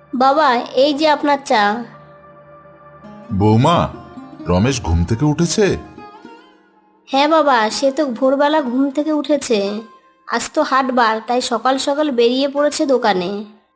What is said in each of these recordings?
বাবা, এই যে আপনার চা। বৌমা, রমেশ ঘুম থেকে উঠেছে? হ্যাঁ বাবা, সে তো ভোরবেলা ঘুম থেকে উঠেছে। আজ তো হাটবার, তাই সকাল সকাল বেরিয়ে পড়েছে দোকানে।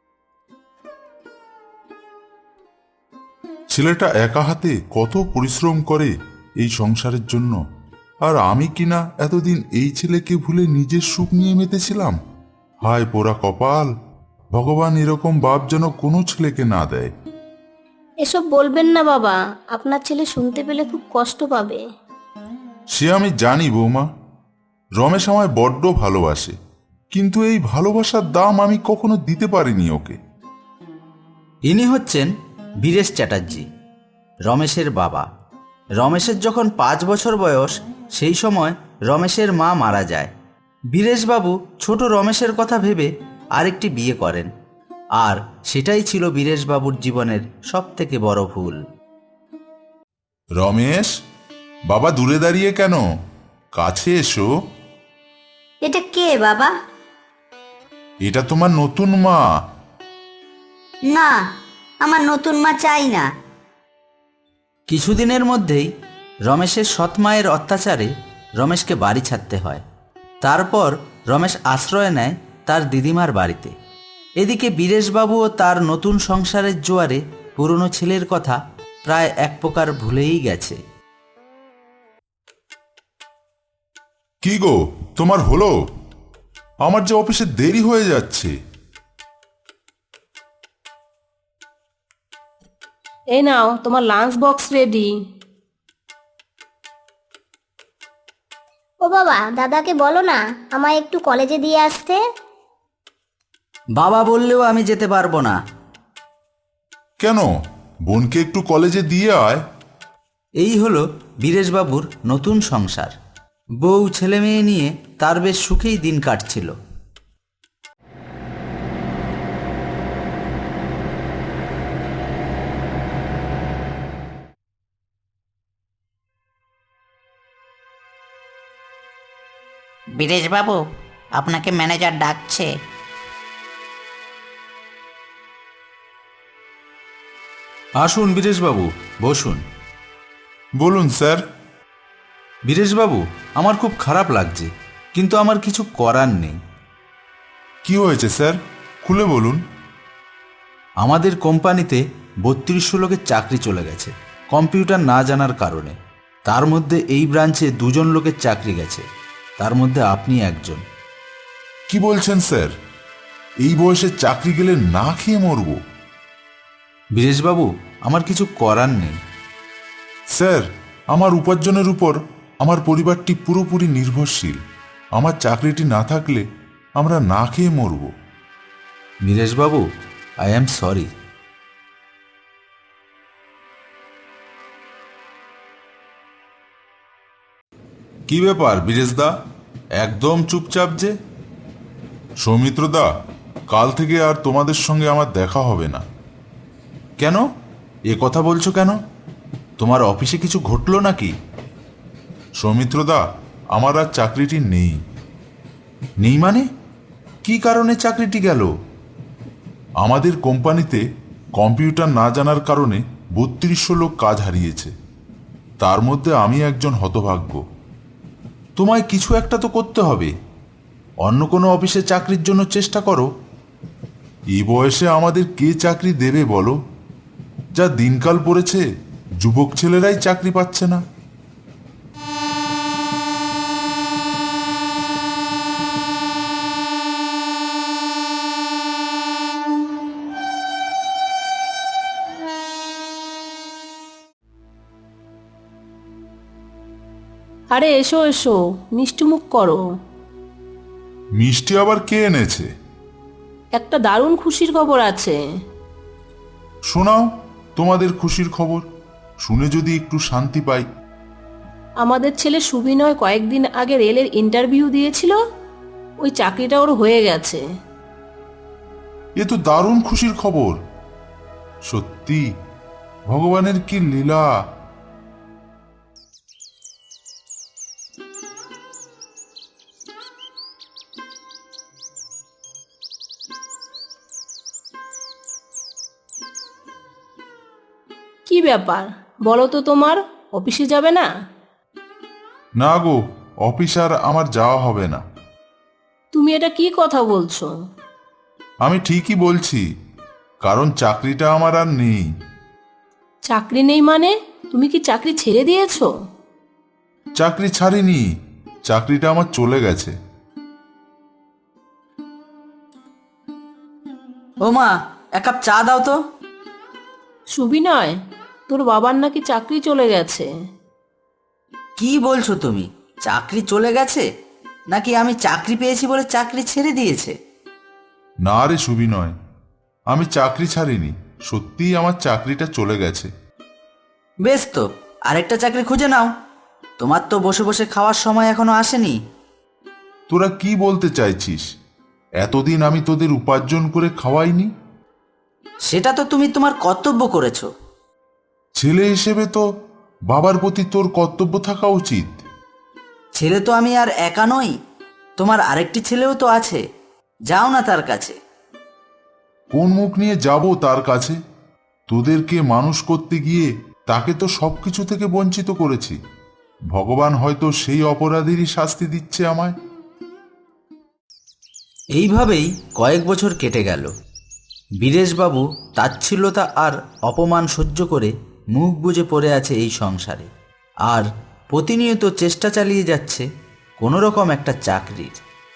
ছেলেটা একা হাতে কত পরিশ্রম করে এই সংসারের জন্য, আর আমি কিনা এতদিন এই ছেলেকে ভুলে নিজের সুখ নিয়ে মেতেছিলাম। হায় পোড়া কপাল! ভগবান এরকম বাপ যেন কোনো ছেলেকে না দেয়। এসব বলবেন না বাবা, আপনার ছেলে শুনতে পেলে খুব কষ্ট পাবে। সে আমি জানি বৌমা। রমেশ আমায় বড্ড ভালোবাসে, কিন্তু এই ভালোবাসার দাম আমি কখনো দিতে পারিনি ওকে। ইনি হচ্ছেন বীরেশ চ্যাটার্জি, রমেশের বাবা। রমেশের যখন 5 বছর বয়স, সেই সময় রমেশের মা মারা যায়। বীরেশবাবু ছোট রমেশের কথা ভেবে আরেকটি বিয়ে করেন, আর সেটাই ছিল বীরেশবাবুর জীবনের সবথেকে বড় ভুল। রমেশ, বাবা দূরে দাঁড়িয়ে কেন? কাছে এসো। এটা কে বাবা? এটা তোমার নতুন মা। না, আমার নতুন মা চাই না। কিছুদিনের মধ্যেই রমেশের সৎ মায়ের অত্যাচারে রমেশকে বাড়ি ছাড়তে হয়। তারপর রমেশ আশ্রয় নেয় তার দিদিমার বাড়িতে। এদিকে বীরেশবাবু ও তার নতুন সংসারের জোয়ারে পুরনো ছেলের কথা প্রায় এক প্রকার ভুলেই গেছে। কি গো, তোমার হলো? আমার যে অফিসে দেরি হয়ে যাচ্ছে। এই নাও, তোমার লাঞ্চ বক্স রেডি। ও বাবা, দাদাকে বলো না আমায় একটু কলেজে দিয়ে আসতে। বাবা বললেও আমি যেতে পারবো না। কেন? বোনকে একটু কলেজে দিয়ে আয়। এই হলো বীরেশবাবুর নতুন সংসার। বউ ছেলে মেয়ে নিয়ে তার বেশ সুখেই দিন কাটছিল। বীরেশবাবু, আপনাকে ম্যানেজার ডাকছে। আসুন বীরেশবাবু, বসুন। বলুন স্যার। বীরেশবাবু, আমার খুব খারাপ লাগছে, কিন্তু আমার কিছু করার নেই। কি হয়েছে স্যার? খুলে বলুন। আমাদের কোম্পানিতে 3200 লোকের চাকরি চলে গেছে কম্পিউটার না জানার কারণে। তার মধ্যে এই ব্রাঞ্চে 2জন লোকের চাকরি গেছে, তার মধ্যে আপনি একজন। কি বলছেন স্যার? এই বয়সে চাকরি গেলে না খেয়ে মরব? বীরেশবাবু, আমার কিছু করার নেই। স্যার, আমার উপার্জনের উপর আমার পরিবারটি পুরোপুরি নির্ভরশীল। আমার চাকরিটি না থাকলে আমরা না খেয়ে মরব। Bireshbabu, I am sorry. কি ব্যাপার বীরেশদা, একদম চুপচাপ যে? সৌমিত্রদা, কাল থেকে আর তোমাদের সঙ্গে আমার দেখা হবে না। কেন? এ কথা বলছো কেন? তোমার অফিসে কিছু ঘটলো নাকি? সৌমিত্রদা, আমার আর চাকরিটি নেই। নেই মানে? কি কারণে চাকরিটি গেল? আমাদের কোম্পানিতে কম্পিউটার না জানার কারণে 3200 লোক কাজ হারিয়েছে। তার মধ্যে আমি একজন হতভাগ্য। তোমায় কিছু একটা তো করতে হবে। অন্য কোনো অফিসে চাকরির জন্য চেষ্টা করো। এই বয়সে আমাদের কে চাকরি দেবে বলো? যা দিনকাল পড়েছে, যুবক ছেলেরাই চাকরি পাচ্ছে না। আরে এসো এসো, মিষ্টিমুখ করো। মিষ্টি আবার কে এনেছে? একটা দারুণ খুশির খবর আছে। শোনাও তোমাদের খুশির খবর, শুনে যদি একটু শান্তি পাই। আমাদের ছেলে সুবিনয় কয়েকদিন আগে রেলের ইন্টারভিউ দিয়েছিল, ওই চাকরিটা ওর হয়ে গেছে। এ তো দারুণ খুশির খবর। সত্যি, ভগবানের কি লীলা! কি ব্যাপার বলো তো, তোমার অফিসে যাবে না? না গো, অফিস আর আমার যাওয়া হবে না। তুমি এটা কি কথা বলছো? আমি ঠিকই বলছি, কারণ চাকরিটা আমার আর নেই। চাকরি নেই মানে? তুমি কি চাকরি ছেড়ে দিয়েছো? চাকরি ছাড়িনি, চাকরিটা আমার চলে গেছে। ও মা, এক কাপ চা দাও তো। সুবিনয়, তোর বাবার নাকি চাকরি চলে গেছে। কি বলছো তুমি? চাকরি চলে গেছে? নাকি আমি চাকরি পেয়েছি বলে চাকরি ছেড়ে দিয়েছে? না রে সুবিনয়, আমি চাকরি ছাড়িনি, সত্যিই আমার চাকরিটা চলে গেছে। বেশ তো, আরেকটা চাকরি খুঁজে নাও। তোমার তো বসে বসে খাওয়ার সময় এখনো আসেনি। তোরা কি বলতে চাইছিস? এতদিন আমি তোদের উপার্জন করে খাওয়াইনি? সেটা তো তুমি তোমার কর্তব্য করেছো। ছেলে হিসেবে তো বাবার প্রতি তোর কর্তব্য থাকা উচিত। ছেলে তো আমি আর একা নই, তোমার আরেকটি ছেলেও তো আছে। যাও না তার কাছে। কোন মুখ নিয়ে যাব তার কাছে? তোদেরকে মানুষ করতে গিয়ে তাকে তো সবকিছু থেকে বঞ্চিত করেছি। ভগবান হয়তো সেই অপরাধীরই শাস্তি দিচ্ছে আমায়। এইভাবেই কয়েক বছর কেটে গেল। বীরেশবাবু তাচ্ছিল্যতা আর অপমান সহ্য করে মুখ বুজে পড়ে আছে এই সংসারে, আর প্রতিনিয়ত চেষ্টা চালিয়ে যাচ্ছে কোনো রকম একটা চাকরির।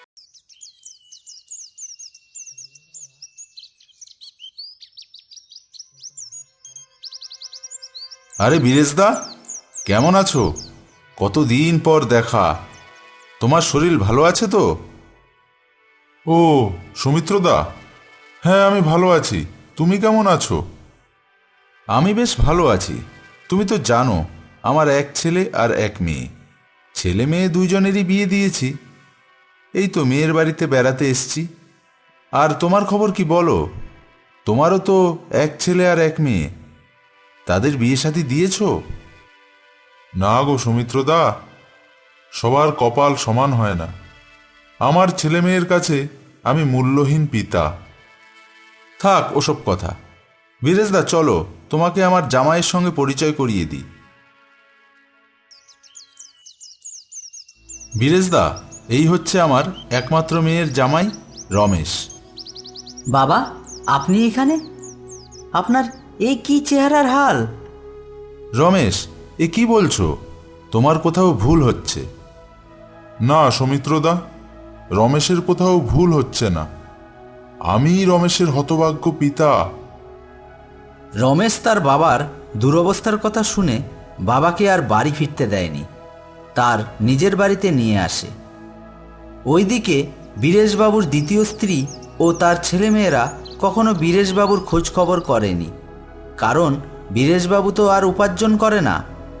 আরে বীরেশদা, কেমন আছো? কতদিন পর দেখা। তোমার শরীর ভালো আছে তো? ও সৌমিত্রদা, হ্যাঁ আমি ভালো আছি। তুমি কেমন আছো? আমি বেশ ভালো আছি। তুমি তো জানো আমার এক ছেলে আর এক মেয়ে। ছেলে মেয়ে দুইজনেরই বিয়ে দিয়েছি। এই তো মেয়ের বাড়িতে বেড়াতে এসছি। আর তোমার খবর কি বলো? তোমারও তো এক ছেলে আর এক মেয়ে, তাদের বিয়ে শাদী দিয়েছো? না গো সৌমিত্রদা, সবার কপাল সমান হয় না। আমার ছেলে মেয়ের কাছে আমি মূল্যহীন পিতা। থাক ওসব কথা। বীরেশদা চলো, তোমাকে আমার জামাইয়ের সঙ্গে পরিচয় করিয়ে দিই। বীরেশদা, এই হচ্ছে আমার একমাত্র মেয়ের জামাই রমেশ। বাবা, আপনি এখানে? আপনার এই কি চেহারার হাল? রমেশ, এ কি বলছো? তোমার কোথাও ভুল হচ্ছে। না সৌমিত্রদা, রমেশের কোথাও ভুল হচ্ছে না। আমি রমেশের হতভাগ্য পিতা। রমেশ তার বাবার দুরবস্থার কথা শুনে বাবাকে আর বাড়ি ফিরতে দেয়নি, তার নিজের বাড়িতে নিয়ে আসে। ওইদিকে বীরেশবাবুর দ্বিতীয় স্ত্রী ও তার ছেলেমেয়েরা কখনো বীরেশবাবুর খোঁজ খবর করেনি, কারণ বীরেশবাবু তো আর উপার্জন করে না।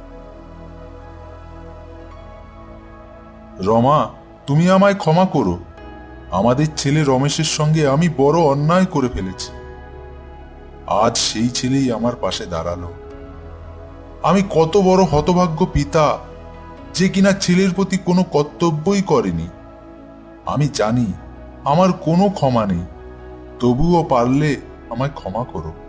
রমা, তুমি আমায় ক্ষমা করো। আমাদের ছেলে রমেশের সঙ্গে আমি বড় অন্যায় করে ফেলেছি। আজ সেই ছেলেই আমার পাশে দাঁড়ালো। আমি কত বড় হতভাগ্য পিতা, যে কিনা ছেলের প্রতি কোনো কর্তব্যই করেনি। আমি জানি আমার কোনো ক্ষমা নেই, তবুও পারলে আমায় ক্ষমা করো।